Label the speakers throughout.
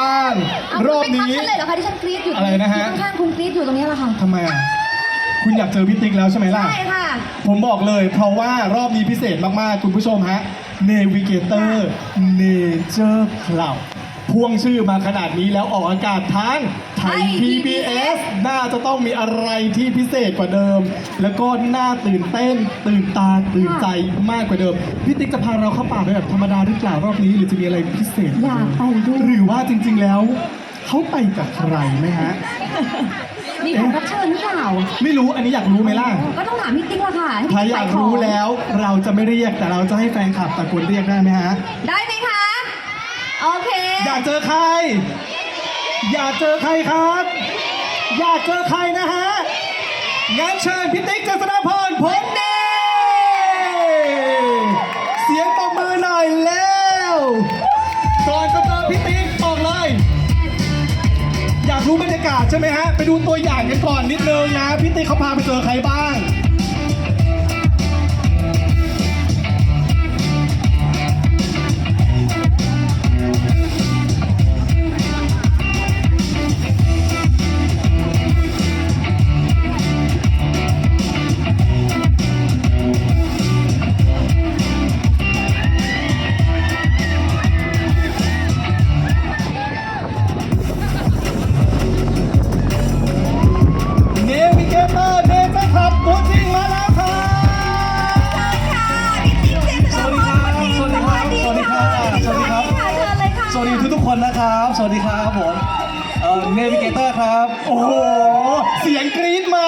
Speaker 1: บ้างรอบนี้
Speaker 2: ไม่ทักฉันเลยเหรอคะที่ฉันกรี๊ดอยู่
Speaker 1: อะไรนะฮะ
Speaker 2: ข้างๆคุณกรี๊ดอยู่ตรงนี้แหละค่ะ
Speaker 1: ทำไมอ่ะคุณอยากเจอพี่ติ๊กแล้วใช่ไหมล่ะ
Speaker 2: ใช่ค่ะ
Speaker 1: ผมบอกเลยเพราะว่ารอบนี้พิเศษมากๆ คุณผู้ชมฮะ Navigator Nature Club พ่วงชื่อมาขนาดนี้แล้วออกอากาศทางไทย PBS น่าจะต้องมีอะไรที่พิเศษกว่าเดิม แล้วก็น่าตื่นเต้น ตื่นตาตื่นใจมากกว่าเดิม พี่ติ๊กจะพาเราเข้าป่าไปแบบธรรมดาหรือเปล่ารอบนี้หรือจะมีอะไรพิเศษ
Speaker 2: อยากไปด้วย
Speaker 1: หรือว่าจริงๆแล้วเขาไปกับใครไหมฮะ
Speaker 2: มีแขกรับเชิญหรือเปล่า
Speaker 1: ไม่รู้อันนี้อยากรู้ไหมล่ะ
Speaker 2: ก็ต้องถามพี่ติ๊กละค่ะให้
Speaker 1: ถ้า
Speaker 2: พี่
Speaker 1: อยาก
Speaker 2: ข
Speaker 1: รู้
Speaker 2: ง
Speaker 1: แล้วเราจะไม่เรียกแต่เราจะให้แฟนคลับตะโกนเรียกได้ไหมฮะ
Speaker 2: ได้ไหมคะ โอเค
Speaker 1: อยากเจอใคร อยากเจอใครครับ อยากเจอใครนะฮะงั้นเชิญพี่ติ๊กเจษฎาพรผลเดชเสียงปรบมือหน่อยแล้วก่อนจะเจอพี่ติ๊กบอกเลย อยากรู้บรรยากาศใช่ไหมฮะ ไปดูตัวอย่างกันก่อนนิดนึงนะ พี่ติ๊กเขาพาไปเจอใครบ้าง เนวิเกเตอร์เนเจอร์คลับตัวจริงมาแล้วครับสวัสดีครับ สวัสดีครับ สวัสดีครับ สวัสดีครับ
Speaker 2: เชิญเลยค่ะ
Speaker 3: สวัสดีทุกๆคนนะครับ สวัสดีครับผมเนวิเกเตอร์ครับ
Speaker 1: โอ้โห เสียงกรี๊ดมา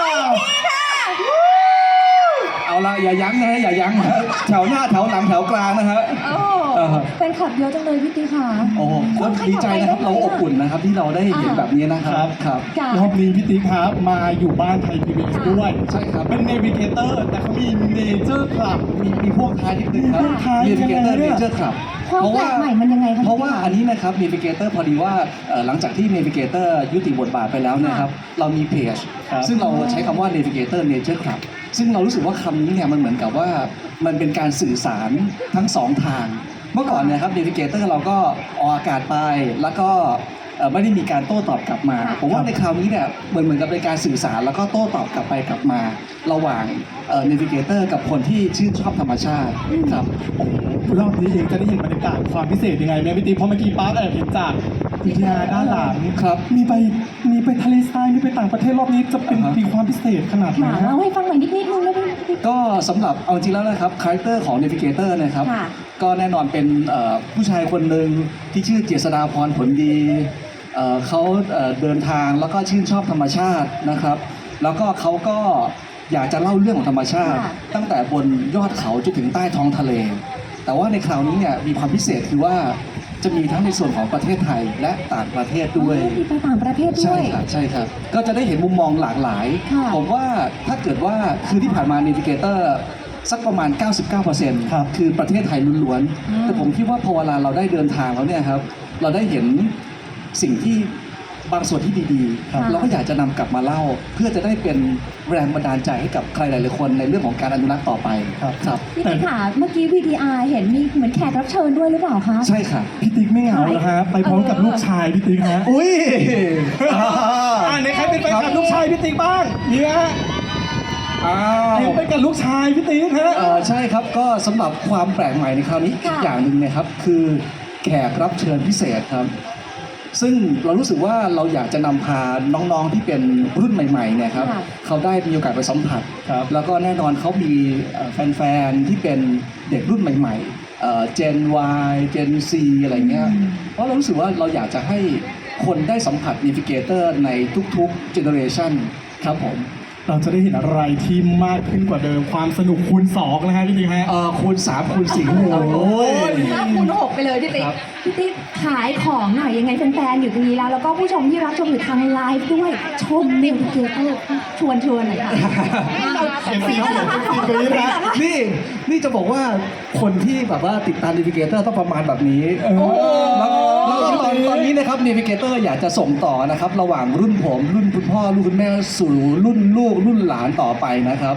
Speaker 3: เอาละอย่ายั้งนะฮะอย่ายั้งนะฮะแถวหน้าแถวหลังแถวกลางนะฮะ
Speaker 2: โอ้เป็นขับเยอะจังเลยพี่ติ๊กค่ะ
Speaker 3: โอ้โหก็ดีใจนะครับเราอบอุ่นนะครับที่เราได้เห็นแบบนี้นะครับครับ
Speaker 2: ค่ะ
Speaker 1: รอบนี้พี่ติ๊กครับมาอยู่บ้านไทย PBS ด้วย
Speaker 3: ใช่ครับ
Speaker 1: เป็นเนวิเกเตอร์แต่เขามีเนเจอร์คลับ
Speaker 3: มีพวกท้ายนิดนึงครับ
Speaker 1: มีพวกท้าย
Speaker 3: เนวิเกเตอร์
Speaker 1: ยังไง
Speaker 3: เน
Speaker 1: เนี่ย
Speaker 3: เจอร์ครับ
Speaker 2: ความแปลกใหม่มันยังไงคะ
Speaker 3: เพราะว่าอันนี้นะครับเนวิเกเตอร์พอดีว่าหลังจากที่เนวิเกเตอร์ยุติบทบาทไปแล้วเนะครับเรามีเพจ
Speaker 1: ครับ
Speaker 3: ซึ่งเราใช้คำว่า Navigator Nature Club ซึ่งเรารู้สึกว่าคำนี้เนี่ยมันเหมือนกับว่ามันเป็นการสื่อสารทั้งสองทาง เมื่อก่อนเนะครับ Navigator เราก็ออกอากาศไปแล้วก็ไม่ได้มีการโต้ตอบกลับมา ผมว่าในคราวนี้เนี่ยเหมือนกับเป็นการสื่อสารแล้วก็โต้ตอบกลับไปกลับมา ระหว่างNavigator กับคนที่ชื่นชอบธรรมชาติครับ
Speaker 1: โอ้โหรอบนี้เองจะได้เห็นบรรยากาศความพิเศษยังไงเนี่ยพี่ติ๊กเพราะเมื่อกี้ป้าแอบเห็นจากวิทยาด้านหลัง
Speaker 3: ครับ
Speaker 1: มีไปทะเลทรายมีไปต่างประเทศรอบนี้จะเป็น
Speaker 3: อ่าฮะ
Speaker 1: มีความพิเศษขนาดไหน
Speaker 2: ค่ะ
Speaker 1: ฮะ
Speaker 2: เล่าให้ฟังหน่อยนิดนึงได้ไหมพี่ติ๊ก
Speaker 3: ก็สำหรับเอาจริงแล้วนะครับคาแรคเตอร์ของ Navigator นะครับ
Speaker 2: ค่ะ
Speaker 3: ก็แน่นอนเป็นผู้ชายคนหนึ่งที่ชื่อเจษฎาพรผลดีเขาเดินทางแล้วก็ชื่นชอบธรรมชาตินะครับ แล้วก็เขาก็อยากจะเล่าเรื่องของธรรมชาติ
Speaker 2: ค่ะ
Speaker 3: ตั้งแต่บนยอดเขาจนถึงใต้ท้องทะเล แต่ว่าในคราวนี้เนี่ยมีความพิเศษคือว่าจะมีทั้งในส่วนของประเทศไทยและต่างประเทศด้วย
Speaker 2: มีไปต่างประเทศด้
Speaker 3: ใช่
Speaker 2: วย
Speaker 3: ครับใช่ครับ ก็จะได้เห็นมุมมองหลากหลาย
Speaker 2: ค่ะ
Speaker 3: ผมว่าถ้าเกิดว่าคือที่ผ่านมา Navigator สักประมาณ 99%
Speaker 1: ครับ
Speaker 3: คือประเทศไทยล้วน
Speaker 2: อ่า
Speaker 3: ๆ แต่ผมคิดว่าพอเวลาเราได้เดินทางแล้วเนี่ยครับ เราได้เห็นสิ่งที่บางส่วนที่ดี
Speaker 2: ครับ
Speaker 3: ๆ เราก็อยากจะนำกลับมาเล่า เพื่อจะได้เป็นแรงบันดาลใจให้กับใครหลายๆคนในเรื่องของการอนุรักษ์ต่อไป
Speaker 1: ครับ
Speaker 3: ครับ
Speaker 2: พี่ติ๊กค่ะเมื่อกี้ VTR เห็นมีเหมือนแขกรับเชิญด้วยหรือเปล่าคะ
Speaker 3: ใช่ค่ะ
Speaker 1: พี่ติ๊กไม่เหงาเหรอฮะไปพร้อมกับลูกชายพี่ติ๊กฮะ
Speaker 3: อุ้ย
Speaker 1: ในใครเป็นแฟนคลับลูกชายพี่ติ๊กบ้างมีไหมฮะ
Speaker 3: อ้า
Speaker 1: เห็น
Speaker 3: ว
Speaker 1: ไปกับลูกชายพี่ติ๊กฮะ
Speaker 3: ใช่ครับก็สำหรับความแปลกใหม่ในคราวนี้อี
Speaker 2: ค่ะ
Speaker 3: กอย่างหนึ่งนะครับคือแขกรับเชิญพิเศษครับ ซึ่งเรารู้สึกว่าเราอยากจะนำพาน้องๆที่เป็นรุ่นใหม่ๆเนี่ยครับ
Speaker 2: ค่ะ
Speaker 3: เขาได้มีโอกาสไปสัมผัส
Speaker 1: ครับ
Speaker 3: แล้วก็แน่นอนเขามีแฟนๆที่เป็นเด็กรุ่นใหม่ๆGen Y Gen C อะไรเงี้ยเพราะเรารู้สึกว่าเราอยากจะให้คนได้สัมผัส Navigator ในทุกๆ generation ครับผม
Speaker 1: เราจะได้เห็นอะไรที่มากขึ้นกว่าเดิมความสนุกคูณ2นะฮะพี่ติ๊กฮะ
Speaker 3: คูณ3คูณ4
Speaker 1: โอ้โห
Speaker 2: 5 คูณ 6 ไปเลยพี่ติ๊ก
Speaker 3: ครับ
Speaker 2: พี่ติ๊กขายของหน่อยยังไงแฟนๆอยู่ตรงนี้แล้ว แล้วก็ผู้ชมที่รับชมอยู่ทางไลฟ์ด้วย ชมเนวิเกเตอร์ชวนหน่อยค่ะ
Speaker 1: เสียงสีเหรอเสียงกรี๊ดนะ
Speaker 3: นี่จะบอกว่าคนที่แบบว่าติดตาม Navigator ต้องประมาณแบบนี้
Speaker 1: โอ้โห
Speaker 3: แล้วตอนนี้นะครับ Navigator อยากจะส่งต่อนะครับ ระหว่างรุ่นผม รุ่นคุณพ่อ รุ่นคุณแม่สู่รุ่นลูก รุ่นหลานต่อไปนะครับ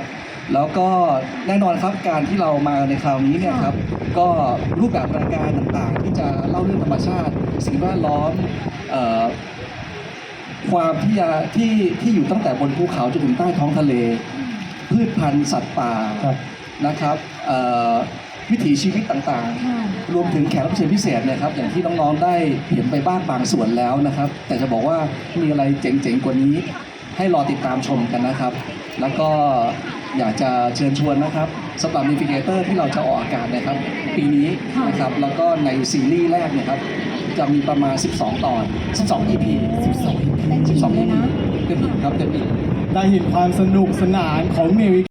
Speaker 3: แล้วก็แน่นอนครับการที่เรามาในคราวนี้เนี่ยครับก็รูปแบบรายการต่างๆ ที่จะเล่าเรื่องธรรมชาติ สิ่งแวดล้อมความที่อยู่ตั้งแต่บนภูเขาจนถึงใต้ท้องทะเล พืชพันธุ์สัตว์ป่า
Speaker 1: ครับ
Speaker 3: นะครับวิถีชีวิตต่าง
Speaker 2: ค่ะ
Speaker 3: ๆ รวมถึงแขกรับเชิญพิเศษนะครับอย่างที่น้องๆได้เห็นไปบ้างบางส่วนแล้วนะครับ แต่จะบอกว่ามีอะไรเจ๋งๆกว่านี้ ให้รอติดตามชมกันนะครับ แล้วก็อยากจะเชิญชวนนะครับสำหรับ Navigator ที่เราจะออกอากาศนะครับ ปีนี้นะครับแล้วก็ในซีรีส์แรกเนี่ยครับจะมีประมาณ 12 ตอน 12 EP
Speaker 2: เต็มอิ่มเลยนะ
Speaker 3: เต็มอิ่มครับเต็มอิ่ม
Speaker 1: ได้เห็นความสนุกสนานของเนวิ